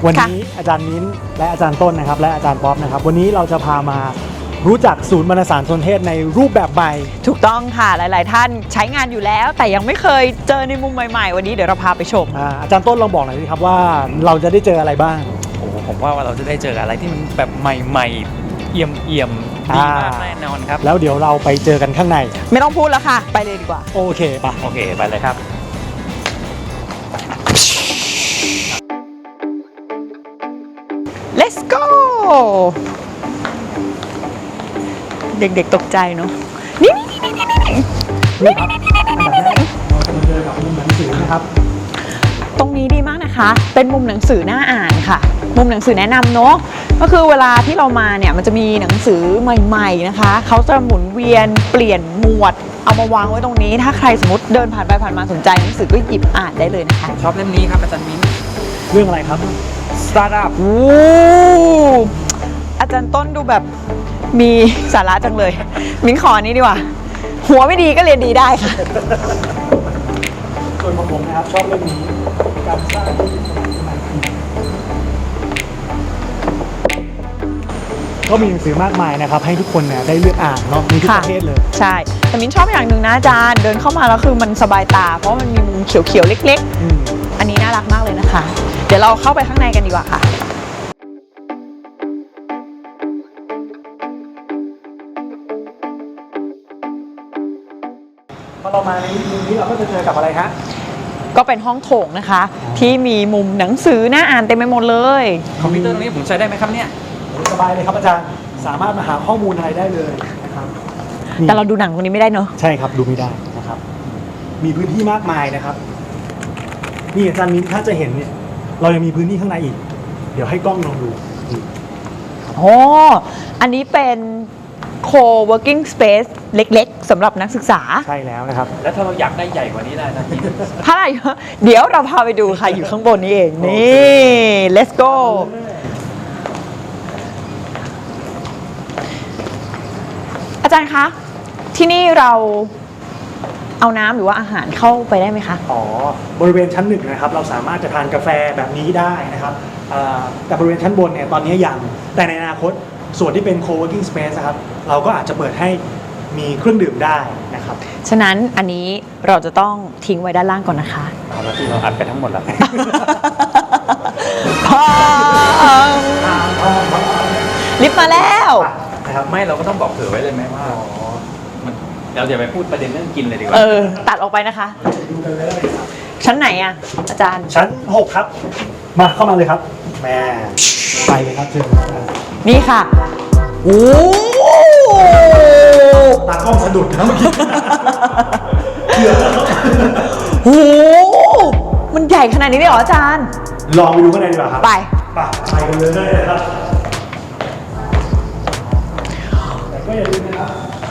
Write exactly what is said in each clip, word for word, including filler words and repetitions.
วันนี้อาจารย์มิ้นและอาจารย์ต้นนะครับและอาจารย์ป๊อปนะครับวันนี้เราจะพามารู้จักศูนย์บรรณสารสนเทศในรูปแบบใหม่ถูกต้องค่ะหลายๆท่านใช้งานอยู่แล้วแต่ยังไม่เคยเจอในมุมใหม่ๆวันนี้เดี๋ยวเราพาไปชมอาอาจารย์ต้นลองบอกหน่อยสิครับว่าเราจะได้เจออะไรบ้างโอ้ผมว่าเราจะได้เจออะไรที่มันแบบใหม่ๆเอี่ยมเอี่ยมดีมากแน่นอนครับแล้วเดี๋ยวเราไปเจอกันข้างในไม่ต้องพูดแล้วค่ะไปเลยดีกว่าโอเคปะโอเคไปเลยครับ let's go เด็กๆตกใจเนาะนี่นี่นี่นี่นี่นี่ครับอันดับแรกเราจะเจอกับมุมหนังสือนะครับตรงนี้ดีมากนะคะเป็นมุมหนังสือน่าอ่านค่ะมุมหนังสือแนะนำเนาะก็คือเวลาที่เรามาเนี่ยมันจะมีหนังสือใหม่ๆนะคะเขาจะหมุนเวียนเปลี่ยนหมวดเอามาวางไว้ตรงนี้ถ้าใครสมมติเดินผ่านไปผ่านมาสนใจหนังสือก็หยิบอ่านได้เลยนะคะชอบเล่มนี้ครับอาจารย์มิ้นเรื่องอะไรครับ Startup โอ้อาจารย์ต้นดูแบบมีสาระจังเลยมิ้นขอนี้ดีกว่าหัวไม่ดีก็เรียนดีได้ค่ะส่วนของผมนะครับชอบเรื่องนี้การสร้างธุรกิจสมัยใหม่ก็มีหนังสือมากมายนะครับให้ทุกคนเนี่ยได้เลือกอ่านเนาะมีทุกประเภทเลยใช่แต่มิ้นชอบอย่างหนึ่งนะอาจารย์เดินเข้ามาแล้วคือมันสบายตาเพราะมันมีมุมเขียวๆเล็กๆอันนี้น่ารักมากเลยนะคะเดี๋ยวเราเข้าไปข้างในกันดีกว่าค่ะพอเรามาในมุมนี้เราก็จะเจอกับอะไรฮะก็เป็นห้องโถงนะคะที่มีมุมหนังสือน่าอ่านเต็มไปหมดเลยคอมพิวเตอร์ตรงนี้ผมใช้ได้ไหมครับเนี่ยสบายเลยครับอาจารย์สามารถมาหาข้อมูลอะไรได้เลยนะครับแต่เราดูหนังตรงนี้ไม่ได้เนอะใช่ครับดูไม่ได้นะครับมีพื้นที่มากมายนะครับนี่อาจารย์มิ้นถ้าจะเห็นเนี่ยเรายังมีพื้นที่ข้างในอีกเดี๋ยวให้กล้องลองดูโอ้อันนี้เป็น co-working space เล็กๆสำหรับนักศึกษาใช่แล้วนะครับแล้วถ้าเราอยากได้ใหญ่กว่านี้ได้นะพี่ถ้าอะไรเดี๋ยวเราพาไปดูค่ะอยู่ข้างบนนี้เองนี่ let's go อาจารย์คะที่นี่เราเอาน้ำหรือว่าอาหารเข้าไปได้ไหมคะอ๋อบริเวณชั้นหนึ่งนะครับเราสามารถจะทานกาแฟแบบนี้ได้นะครับแต่บริเวณชั้นบนเนี่ยตอนนี้ยังแต่ในอนาคตส่วนที่เป็น co-working space นะครับเราก็อาจจะเปิดให้มีเครื่องดื่มได้นะครับฉะนั้นอันนี้เราจะต้องทิ้งไว้ด้านล่างก่อนนะคะเอาละที่เราอัดไปทั้งหมดแล้วลิฟต์มาแล้วนะครับไม่เราก็ต้องบอกเผื่อไว้เลยไหมว่าเราอย่าไปพูดประเด็นเรื่องกินเลยดีกว่าเออตัดออกไปนะคะดูกันเลยชั้นไหนอ่ะอาจารย์ชั้นหกครับมาเข้ามาเลยครับแม่ไปเลยครับเชิญนี่ค่ะโอ้ตากล้องสะดุดนะเมื่อกี้เกือบแล้วโอ้มันใหญ่ขนาดนี้เลยเหรออาจารย์ลองไปดูข้างในดีกว่าครับไปไปไปกันเลยนะครับแต่ก็อย่าลืมนะครับ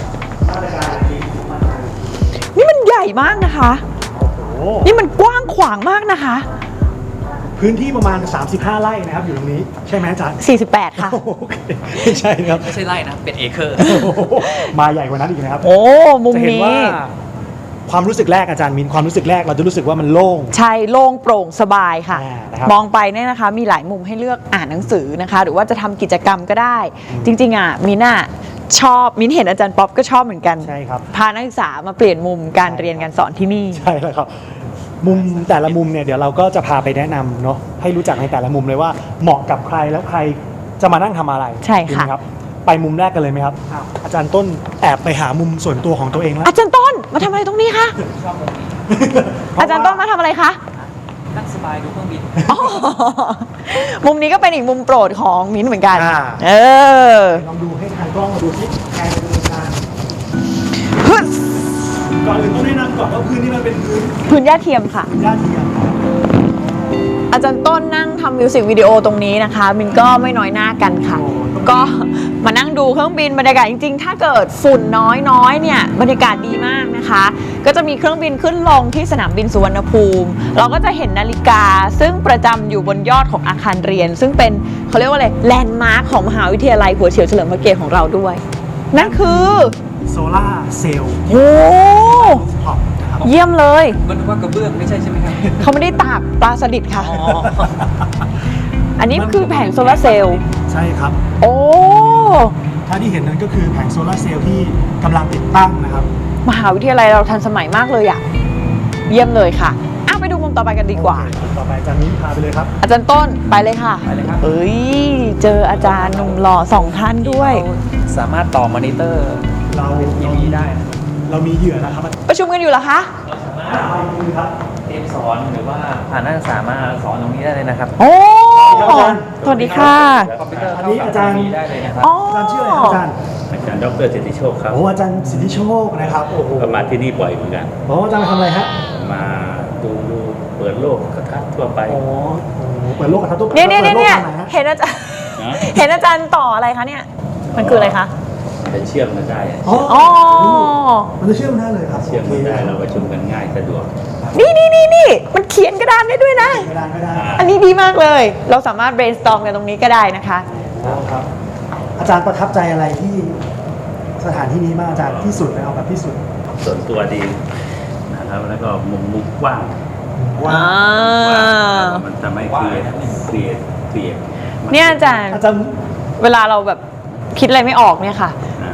นี่มันใหญ่มากนะคะนี่มันกว้างขวางมากนะคะพื้นที่ประมาณสามสิบห้าไร่นะครับอยู่ตรงนี้ใช่ไหมอาจารย์สี่สิบแปดค่ะไม่ใช่ครับไม่ใช่ไร่นะเป็นเอเคอร์มาใหญ่กว่านั้นอีกนะครับโอ้มุมนี้ความรู้สึกแรกอาจารย์มินความรู้สึกแรกเราจะรู้สึกว่ามันโล่งใช่โล่งโปร่งสบายค่ะมองไปเนี่ยนะคะมีหลายมุมให้เลือกอ่านหนังสือนะคะหรือว่าจะทำกิจกรรมก็ได้จริงๆอ่ะมินอ่ะชอบมิ้นเห็นอาจารย์ป๊อปก็ชอบเหมือนกันใช่ครับพานักศึกษามาเปลี่ยนมุมการเรียนการสอนที่นี่ใช่แล้วครับมุมแต่ละมุมเนี่ยเดี๋ยวเราก็จะพาไปแนะนำเนาะให้รู้จักในแต่ละมุมเลยว่าเหมาะกับใครแล้วใครจะมานั่งทำอะไรใช่ค่ะครับไปมุมแรกกันเลยไหมครับอาจารย์ต้นแอบไปหามุมส่วนตัวของตัวเองแล้วอาจารย์ต้นมาทำอะไรตรงนี้คะอาจารย์ต้นมาทำอะไรคะนั่งสบายดูเครื่องบินมุมนี้ก็เป็นอีกมุมโปรดของมิ้นเหมือนกันเออลองดูให้ทางกล้องมาดูที่แกนเป็นการก่อนอื่นต้องแนะนำก่อนว่าพื้นที่มันเป็นพื้นพื้นหญ้าเทียมค่ะหญ้าเทียมอาจารย์ต้นนั่งทำมิวสิกวิดีโอตรงนี้นะคะมินก็ไม่น้อยหน้ากันค่ะก็มานั่งดูเครื่องบินบรรยากาศจริงๆถ้าเกิดฝุ่นน้อยๆเนี่ยบรรยากาศดีมากนะคะก็จะมีเครื่องบินขึ้นลงที่สนามบินสุวรรณภูมิเราก็จะเห็นนาฬิกาซึ่งประจำอยู่บนยอดของอาคารเรียนซึ่งเป็นเขาเรียกว่าอะไรแลนด์มาร์คของมหาวิทยาลัยหัวเฉียวเฉลิมพระเกียรติของเราด้วยนั่นคือโซล่าเซลล์โอ้เยี่ยมเลยมันว่ากระเบื้องไม่ใช่ใช่ไหมครับเขาไม่ได้ตากปลาสลิดค่ะ อัอันนี้คือแผงโซลาร์เซลล์ใช่ครับโอ้ถ้าที่เห็นนั้นก็คือแผงโซลาร์เซลล์ที่กำลังติดตั้งนะครับมหาวิทยาลัยเราทันสมัยมากเลยอะเยี่ยมเลยค่ะอ้าวไปดูมุมต่อไปกันดีกว่าโอเคต่อไปอาจารย์มิ้นพาไปเลยครับอาจารย์ต้นไปเลยค่ะไปเลยครับเอ้ยเจออาจารย์หนุ่มหล่อสองท่านด้วยสามารถต่อมอนิเตอร์เราเป็นทีวีได้นะครับเรามีเหยื่อนะครับประชุมกันอยู่เหรอคะเราสามารถเตรียมสอนหรือว่าผ่านนักศึกษามาสอนตรงนี้ได้เลยนะครับโอ้สวัสดีค่ะคอมพิวเตอร์อันเข้านี้กับอาจารย์ทีวีได้เลยนะครับอ๋ออาจารย์ชื่ออะไรครับอาจารย์อาจารย์ดรสิทธิโชคครับโอ้อาจารย์สิทธิโชคนะครับโอ้โหก็มาที่นี่บ่อยเหมือนกันโอ้อาจารย์มาทำอะไรฮะมาดูดูเปิดโลกกระทัดทั่วไปโอ้โหเปิดโลกกระทบตุ๊กเนี่ยเนี่ยเนี่ยเนี่ยปิดโลกทางไหฮะเห็นอาจารย์นะเห็นอาจารย์ต่ออะไรคะเนี่ย มันคืออะไรคะจะเชื่อมกันได้อ๋ออ๋อมันจะเชื่อมได้เลยครับเชื่อมกันได้เราประชุมกันง่ายสะดวกนี่นี่นี่นี่มันเขียนกระดานได้ด้วยนะไม่ได้ไม่ได้อันนี้ดีมากเลย เราสามารถ brainstorm กันตรงนี้ก็ได้นะคะครับ อาจารย์ประทับใจอะไรที่สถานที่นี้มากอาจารย์ที่สุดเลยเอาแบบที่สุดส่วนตัวดีนะครับแล้วก็มุมมุมกว้างว่าอ่ากว้างมันจะไม่เครียดเครียดเครียดเนี่ยอาจารย์อาจารย์เวลาเราแบบคิดอะไรไม่ออกเนี่ยค่ะอ่าม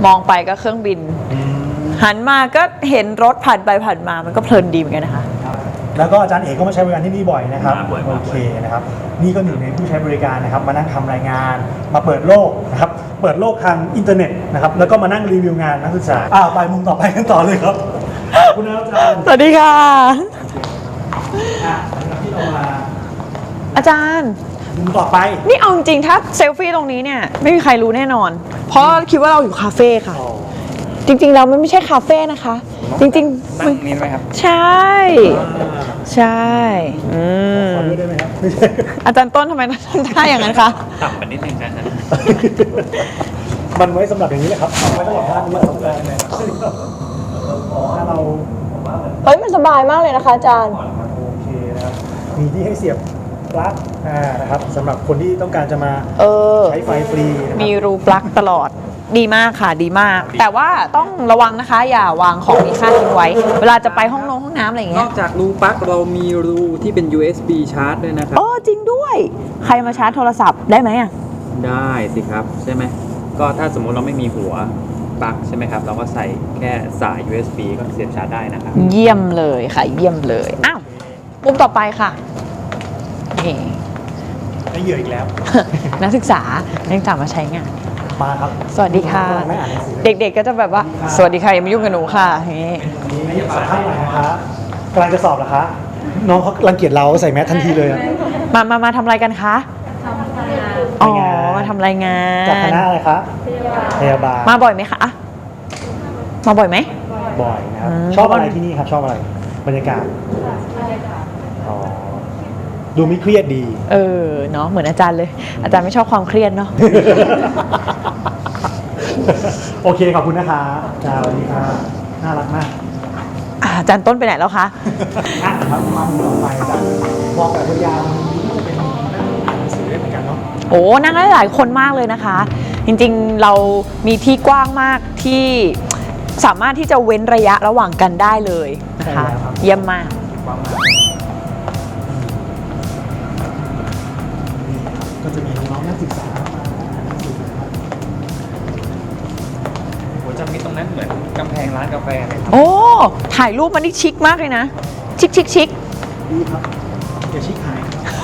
องไปก็เครื่องบิน หันมาก็เห็นรถผ่านไปผ่านมา มันก็เพลินดีเหมือนกันนะคะแล้วก็อาจารย์เอกก็มาใช้บริการที่นี่บ่อยนะครับมาบ่อยโอมากเคนะครับ นี่ก็หนึ่งในผู้ใช้บริการนะครับ มานั่งทำรายงาน มาเปิดโลกนะครับ เปิดโลกทางอินเทอร์เน็ตนะครับ แล้วก็มานั่งรีวิวงานนักศึกษาอ้าวไปมุมต่อไปกันต่อเลยครับขอบคุณนะครับอาจารย์สวัสดีค่ะอ่ะหลังจากที่เรามาอาจารย์มุมต่อไปนี่เอาจริงๆถ้าเซลฟี่ตรงนี้เนี่ย ไม่มีใครรู้แน่นอน เพราะคิดว่าเราอยู่คาเฟ่ค่ะ จริงๆแล้วมันไม่ใช่คาเฟ่นะคะ จริงๆนั่มันงนี้ไหมครับใช่ ใช่ อืมขอด้วยได้ไหมครับไม่ใช่อาจารย์ต้นทำไมทำท่าอย่างนั้นคะต่ำไปนิดนึงนะครับมันไว้สำหรับอย่างนี้แหละครับเอาไว้สำหรับท่านนี้ของเราเลยถ้าเราเฮ้ยมันสบายมากเลยนะคะอาจารย์โอเคนะครับ มีที่ให้เสียบปลั๊กอ่านะครับสำหรับคนที่ต้องการจะมาเออใช้ไฟฟรีนะครับมีรูปลั๊กตลอด ดีมากค่ะ ดีมาก แต่ว่าต้องระวังนะคะ อย่าวางของมีค่าทิ้งไว้ เวลาจะไปห้องนงห้องน้ำอะไรอย่างนเงี้อย กจากรูปลั๊กเรามีรูที่เป็น ยู เอส บี ชาร์จด้วยนะครับโอ้จริงด้วย ใครมาชาร์จโทรศัพท์ได้ไหมอ่ะได้สิครับ ใช่ไหม ก็ถ้าสมมุติเราไม่มีหัวปลั๊กใช่ไหมครับ เราก็ใส่แค่สาย ยู เอส บี ก็เสียบชาร์จได้นะครับเยี่ยมเลยค่ะ เยี่ยมเลย อ้าวมุมต่อไปค่ะนี่ได้เหยื่ออีกแล้วนักศึกษานักศึกษามาใช้งานมาครับสวัสดีค่ะไม่อ่านหนังสือเด็กๆก็จะแบบว่า สวัสดีค่ะอย่ามายุ่งกับหนูค่ะอย่างงี้นี่สัมภาษณ์หน่อยนะคะกำลังจะสอบเหรอคะ น้องเขารังเกียจเราใส่แมสทันทีเลยอะมามามาทำอะไรกันคะอ๋อรายงานมาทำรายงานจากคณะอะไรคะพยาบาลมาบ่อยไหมคะอะมาบ่อยไหมบ่อยนะครับอืมชอบอะไรที่นี่ครับ ชอบอะไร บรรยากาศอ๋อดูไม่เครียดดีเออเนาะเหมือนอาจารย์เลย อาจารย์ไม่ชอบความเครียดเนาะโอเค ขอบคุณนะคะจ้าสวัสดีค่ะน่ารักมากอ่ะอาจารย์ต้นไปไหนแล้วคะอ่ะครับมาดูต่อไปจ้ะบอกแบบยาวๆนี้ก็จะเป็นนั่งอ่านหนังสือได้เหมือนกันเนาะโอ้นั่งได้หลายคนมากเลยนะคะ จริงๆเรามีที่กว้างมากที่สามารถที่จะเว้นระยะระหว่างกันได้เลยนะคะใช่แล้วครับเยี่ยมมากว่างมากก็จะมีน้องนักศึกษามาอ่านหนังสือนะครับโหจะมีตรงนั้นเหมือนกำแพงร้านกาแฟเลยครับโอ้ ถ่ายรูปมันนี่ชิคมากเลยนะ ชิคชิคชิคดีครับอย่าชิคหาย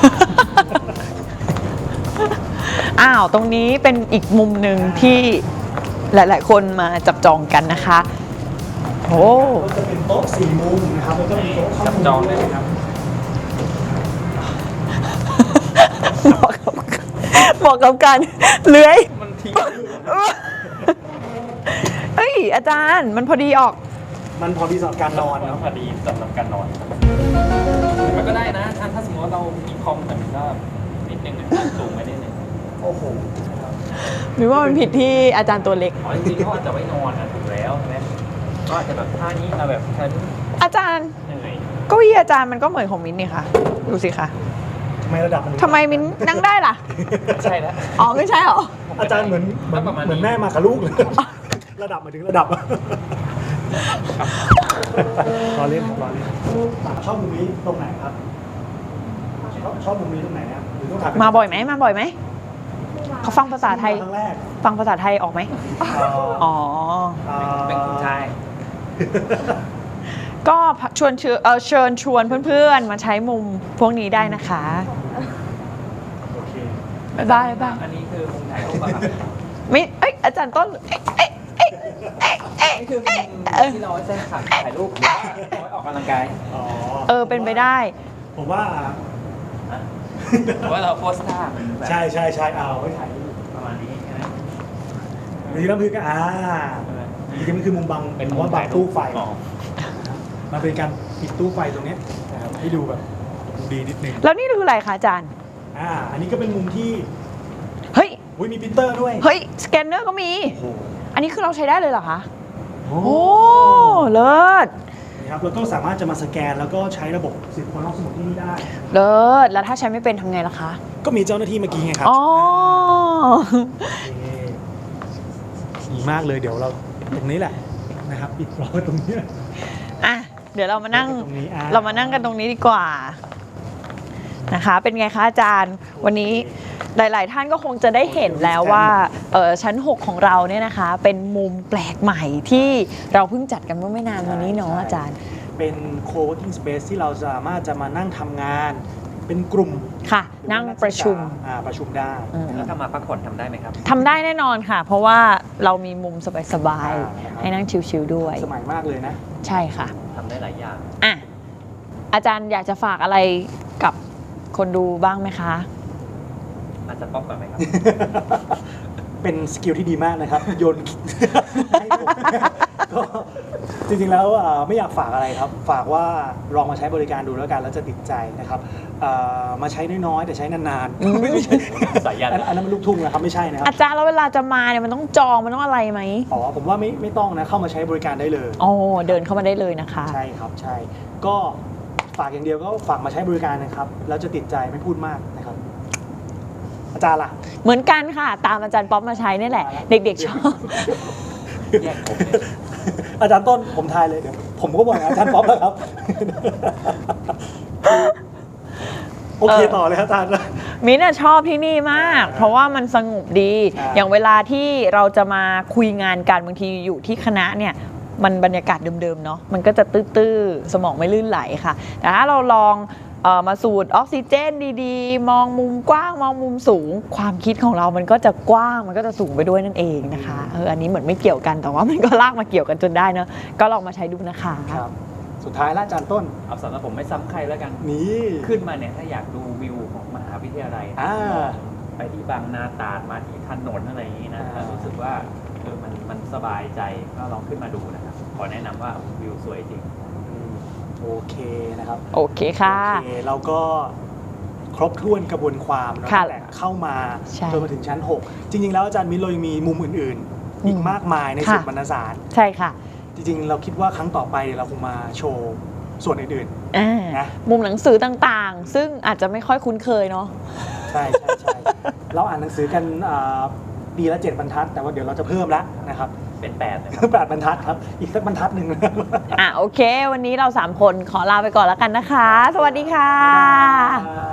อ้าว ตรงนี้เป็นอีกมุมหนึ่งที่หลาย ๆ คนมาจับจองกันนะคะ โอ้ก็จะเป็นโต๊ะสี่มุมนะครับแล้วก็มีโต๊ะข้าจับมุมจองได้ไหมครับเหมาะกับเหมาะกับการเลื้อยมันทิ้งเฮ้ย อาจารย์มันพอดีออกมันพอดีสำหรับการนอนเนาะพอดีสำหรับการนอนมันก็ได้นะถ้าถ้าสมมติว่าเรามีคอมแต่มันก็นิดนึงอะสูงไปนิดนึงโอ้โหหรือว่ามันผิดที่อาจารย์ตัวเล็กอ๋อจริงๆเขาอาจจะไว้นอนนะถูกแล้วใช่ไหมก็อาจจะแบบท่านี้เอาแบบฉันอาจารย์เหนื่อยเก้าอี้อาจารย์มันก็เหมือนของมิ้นท์นี่ค่ะ ดูสิคะทำไมระดับมันทำไมมิ้นท์นั่งได้ล่ะใช่แล้วอ๋อ ไม่ใช่เหรออาจารย์เหมือนเหมือนประมาณนี้เหมือนแม่มากับลูกเลย ระดับมาถึงระดับรอเล่นครับรอเล่นชอบมุมนี้ตรงไหนครับ ชอบชอบมุมนี้ตรงไหนครับหรือต้องถ่ายมาบ่อยไหมมาบ่อยไหมเขาฟังภาษาไทยครั้งแรกฟังภาษาไทยออกไหม อ๋อเป็นคนไทยก็ชวนเชิญเอ่อเชิญชวนเพื่อนๆ มาใช้มุมพวกนี้ได้นะคะโอเคบ๊ายบายบ๊ายบายอันนี้คือมุมถ่ายรูปป่ะครับไม่เอ้ยอาจารย์ต้นเอ้ยเอ้ยเอ้ยเอ้ยนี่คือมุมที่เราไว้ใช้ถ่ายรูปหรือว่าเอาไว้ออกกำลังกายอ๋อเออเป็นไปได้ผมว่าหรือว่าเราโพสท่าแบบใช่ใช่ใช่เอาไว้ถ่ายรูปประมาณนี้ใช่ไหมบางทีน้ำพึ่งก็อ่าจริงๆมันคือมุมบังเป็นเพมุราะมว่าบัถ่าง ยรูตู้ปไฟอ๋อมันเป็นการปิดตู้ไฟตรงเนี้ยนะครับให้ดูแบบดูดีนิดนึงแล้วนี่คืออะไรคะอาจารย์อ่าอันนี้ก็เป็นมุมที่เฮ้ยอุ้ยมีปรินเตอร์ด้วยเฮ้ย สแกนเนอร์ก็มีโอ้โหอันนี้คือเราใช้ได้เลยเหรอคะโอ้โอ้ เลิศนะครับแล้วก็สามารถจะมาสแกนแล้วก็ใช้ระบบสิบคนรอบสมุดที่นี่ได้เลิศ แล้วถ้าใช้ไม่เป็นทำไงล่ะคะก็มีเจ้าหน้าที่เมื่อกี้ไงครับอ๋อนี่ดีมากเลยเดี๋ยวเราตรงนี้แหละนะครับปิดล้อตรงนี้อ่ะ เดี๋ยวเรามานั่งตรงนี้อ่ะเรามานั่งกันตรงนี้ดีกว่านะคะ เป็นไงคะอาจารย์ วันนี้หลาย ๆ ท่านก็คงจะได้เห็นแล้วว่าเออชั้น หก ของเราเนี่ยนะคะ เป็นมุมแปลกใหม่ที่เราเพิ่งจัดกันเมื่อไม่นานมานี้เนาะอาจารย์เป็น co-working space ที่เราสามารถจะมานั่งทำงาน เป็นกลุ่มค่ะ นั่งประชุมอ่าประชุมได้อืมแล้วถ้ามาพักผ่อนทำได้ไหมครับทำได้แน่นอนค่ะ เพราะว่าเรามีมุมสบายอ่าๆ ให้นั่งชิลๆด้วยสมัยมากเลยนะใช่ค่ะทำได้หลายอย่างอ่ะ อาจารย์อยากจะฝากอะไรกับคนดูบ้างไหมคะอาจจะป๊อปก่อนไหมครับเป็นสกิลที่ดีมากนะครับ โยน ให้ผมก็จริงๆแล้วอ่าไม่อยากฝากอะไรครับ ฝากว่าลองมาใช้บริการดูแล้วกันแล้วจะติดใจนะครับอ่ามาใช้น้อยๆแต่ใช้นานอืมๆไม่ใช่สายยันอันอันนั้นมันลูกทุ่งนะครับไม่ใช่นะครับอาจารย์แล้วเวลาจะมาเนี่ยมันต้องจองมันต้องอะไรไหมอ๋อผมว่าไม่ไม่ต้องนะเข้ามาใช้บริการได้เลยอ๋อเดินเข้ามาได้เลยนะคะใช่ครับใช่ก็ฝากอย่างเดียวก็ฝากมาใช้บริการนะครับแล้วจะติดใจไม่พูดมากนะครับ อาจารย์ล่ะเหมือนกันค่ะ ตามอาจารย์ป๊อปมาใช้นี่แหละ เด็กๆชอบแยกผมเลยอาจารย์ต้นผมทายเลยเดี๋ยวผมก็บอกอาจารย์ป๊อปแล้วครับ โอเคต่อเลยครับอาจารย์มิ้นท์อะชอบที่นี่มาก เพราะว่ามันสงบดีอ่าอย่างเวลาที่เราจะมาคุยงานกันบางทีอยู่ที่คณะเนี่ยมันบรรยากาศเดิมๆเนาะมันก็จะตื้อๆสมองไม่ลื่นไหลค่ะ แต่ถ้าเราลองเออมาสูดออกซิเจนดีๆ มองมุมกว้างมองมุมสูง ความคิดของเรามันก็จะกว้างมันก็จะสูงไปด้วยนั่นเองนะคะเอออันนี้เหมือนไม่เกี่ยวกันแต่ว่ามันก็ลากมาเกี่ยวกันจนได้เนาะก็ลองมาใช้ดูนะคะครับ สุดท้ายละอาจารย์ต้นเอาสำหรับผมไม่ซ้ำใครแล้วกันนี่ขึ้นมาเนี่ยถ้าอยากดูวิวของมหาวิทยาลัยอ่าไปที่บางนาตราดมาที่ถนนอะไรอย่างนี้นะอ่าถ้ารู้สึกว่าเออมันมันสบายใจก็ลองขึ้นมาดูนะครับ ขอแนะนำว่าวิวสวยจริงอืมโอเคนะครับโอเคค่ะโอเคเราก็ครบถ้วนกระบวนความเนอะค่ะตั้งแต่เข้ามาใช่จนมาถึงชั้น หก จริง ๆ แล้วอาจารย์มิ้นเรายังมีมุมอื่นๆ อีกมากมายในค่ะส่วนบรรณสารใช่ค่ะจริงๆ เราคิดว่าครั้งต่อไปเราคงมาโชว์ส่วนอื่นอ่านะมุมหนังสือต่างๆ ซึ่งอาจจะไม่ค่อยคุ้นเคยเนาะๆ ใช่ใช่ใช่ เราอ่านหนังสือกันอ่าปีละเจ็ดบรรทัด แต่ว่าเดี๋ยวเราจะเพิ่มแล้วนะครับเป็นแปดเลยแปดบรรทัดครับ อีกสักบรรทัดหนึ่งอ่ะโอเค วันนี้เราสามคนขอลาไปก่อนแล้วกันนะคะ สวัสดีค่ะครับ